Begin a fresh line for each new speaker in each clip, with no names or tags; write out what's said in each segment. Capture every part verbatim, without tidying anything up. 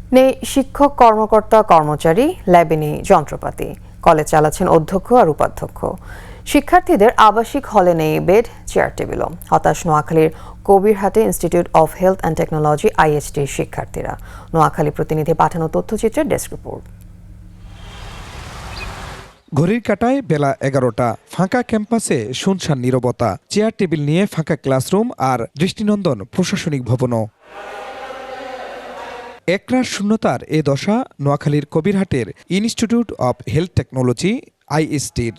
নেই শিক্ষক, কর্মকর্তা, কর্মচারী, ল্যাবে নেই যন্ত্রপাতি। কলেজ চালাচ্ছেন অধ্যক্ষ আর উপাধ্যক্ষ। শিক্ষার্থীদের আবাসিক হলে নেই বেড, চেয়ার টেবিলও। হতাশ নোয়াখালীর কবিরহাটে institute of health and technology আইএইচটির শিক্ষার্থীরা। নোয়াখালী প্রতিনিধি পাঠানো তথ্যচিত্রের ডেস্ক রিপোর্ট।
ঘড়ির কাঁটায় বেলা এগারোটা। ফাঁকা ক্যাম্পাসে শুনশান নীরবতা। চেয়ার টেবিল নিয়ে ফাঁকা ক্লাসরুম আর দৃষ্টিনন্দন প্রশাসনিক ভবনও। একরাশ শূন্যতার এ দশা নোয়াখালীর কবিরহাটের ইনস্টিটিউট অব হেলথ টেকনোলজি আইএসটির।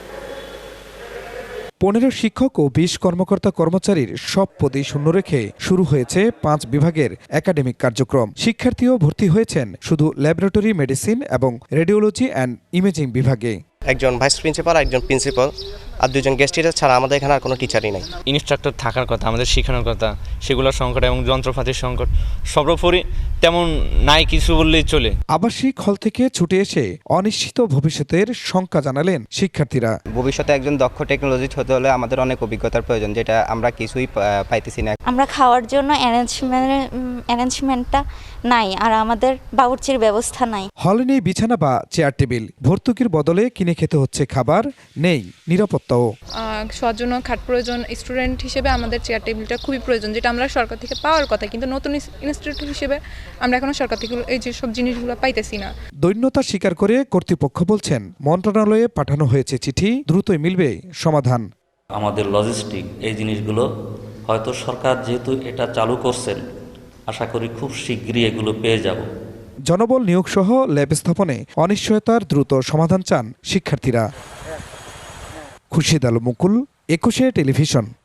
পনেরো শিক্ষক ও বিশ কর্মকর্তা কর্মচারীর সব পদেই শূন্য রেখে শুরু হয়েছে পাঁচ বিভাগের একাডেমিক কার্যক্রম। শিক্ষার্থীও ভর্তি হয়েছেন শুধু ল্যাবরেটরি মেডিসিন এবং রেডিওলজি অ্যান্ড ইমেজিং বিভাগে।
একজন ভাইস প্রিন্সিপাল, একজন প্রিন্সিপাল আর দুজন গেস্ট টিচার ছাড়া আমাদের এখানে আর কোনো টিচারই নাই।
ইনস্ট্রাক্টর থাকার কথা, আমাদের শেখানোর কথা, সেগুলোর সংকট এবং যন্ত্রপাতির সংকট সর্বোপরি তেমন নাই কিছু বললেই চলে।
আবাসিক হল থেকে ছুটে এসে অনিশ্চিত ভবিষ্যতের শঙ্কা জানালেন শিক্ষার্থীরা।
ভবিষ্যতে একজন দক্ষ টেকনোলজিস্ট হতে হলে আমাদের অনেক অভিজ্ঞতার প্রয়োজন, যেটা আমরা কিছুই পাইতেছি না।
আমরা খাওয়ার জন্য অ্যারেঞ্জমেন্ট অ্যারেঞ্জমেন্টটা নাই, আর আমাদের বাবুর্চির ব্যবস্থা নাই।
হলে নেই বিছানা বা চেয়ার টেবিল। ভর্তুকির বদলে কিনে খেতে হচ্ছে খাবার, নেই নিরাপত্তাও।
শোয়ার জন্য খাট প্রয়োজন। স্টুডেন্ট হিসেবে আমাদের চেয়ার টেবিলটা খুবই প্রয়োজন, যেটা আমরা সরকার থেকে পাওয়ার কথা, কিন্তু নতুন ইনস্টিটিউট হিসেবে আমরা এখনো সরকার থেকে এই যে সব জিনিসগুলো পাইতেছি না।
দৈন্যতা স্বীকার করে কর্তৃপক্ষ বলছেন মন্ত্রণালয়ে পাঠানো হয়েছে চিঠি, দ্রুতই মিলবে সমাধান।
আমাদের লজিস্টিক এই জিনিসগুলো হয়তো সরকার যেহেতু এটা চালু করছেন, আশা করি খুব শীঘ্রই এগুলো পেয়ে যাব।
জনবল নিয়োগ সহ ল্যাব স্থাপনে অনিশ্চয়তার দ্রুত সমাধান চান শিক্ষার্থীরা। খুরশিদ আলম মুকুল, একুশে টেলিভিশন।